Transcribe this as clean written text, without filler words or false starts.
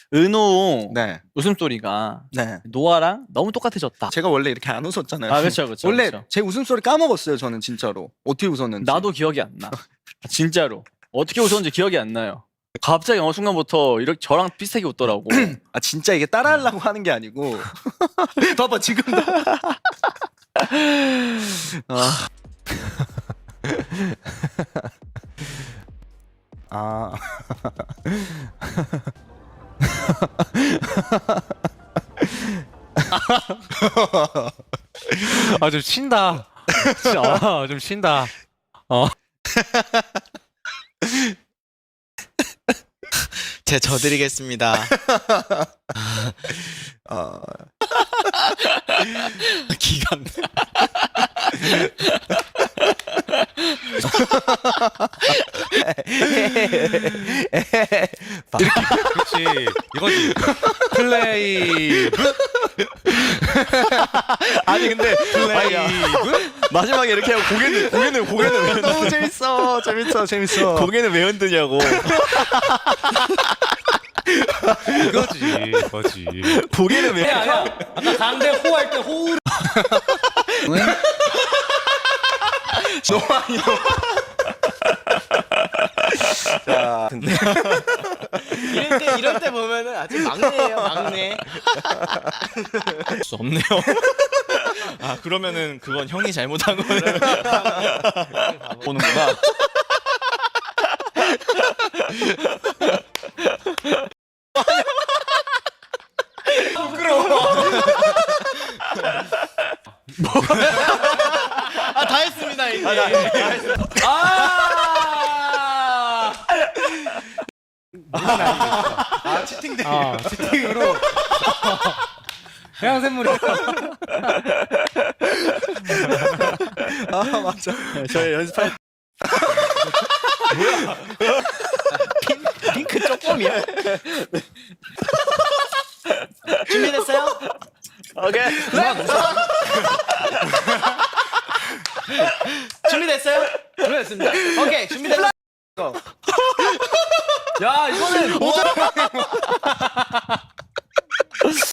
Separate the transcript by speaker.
Speaker 1: 은호
Speaker 2: 네.
Speaker 1: 웃음소리가
Speaker 2: 네.
Speaker 1: 노아랑 너무 똑같아졌다.
Speaker 2: 제가 원래 이렇게 안 웃었잖아요.
Speaker 1: 아, 그렇죠, 그렇죠.
Speaker 2: 원래
Speaker 1: 그렇죠.
Speaker 2: 제 웃음소리 까먹었어요. 저는 진짜로 어떻게 웃었는지.
Speaker 1: 나도 기억이 안 나. 진짜로 어떻게 웃었는지 기억이 안 나요. 갑자기 어느 순간부터 이렇게 저랑 비슷하게 웃더라고.
Speaker 2: 아 진짜 이게 따라하려고 하는 게 아니고. 봐봐 지금도. 아. 아.
Speaker 3: 아, 좀 쉰다. 좀 쉰다.
Speaker 4: 제 져드리겠습니다. 기강.
Speaker 3: 그렇지. 이거지. 플레이.
Speaker 1: 아니 근데
Speaker 3: 플레이브?
Speaker 1: 마지막에 이렇게 하고 고개는 왜
Speaker 2: 너무 재밌어. 재밌어.
Speaker 1: 고개는 왜 흔드냐고.
Speaker 3: 이거지.
Speaker 1: 고개는 왜?
Speaker 5: 아까 강대 호할 때 호우.
Speaker 2: 자,
Speaker 4: 이럴 때 보면은 아직 막내예요, 막내.
Speaker 1: 할 수 없네요. 아 그러면은 그건 형이 잘못한 거네. 보는구나.
Speaker 4: 아, 다 했습니다, 이제.
Speaker 5: 채팅으로. 해양샘물이.
Speaker 2: 아 맞아.
Speaker 1: 저희 연습할
Speaker 4: 핑크 쪼꼬미야. 준비됐어요?
Speaker 1: 오케이.
Speaker 4: 준비됐어요?
Speaker 5: 준비됐습니다.
Speaker 4: 오케이, 준비됐어요.
Speaker 5: 야, 이거는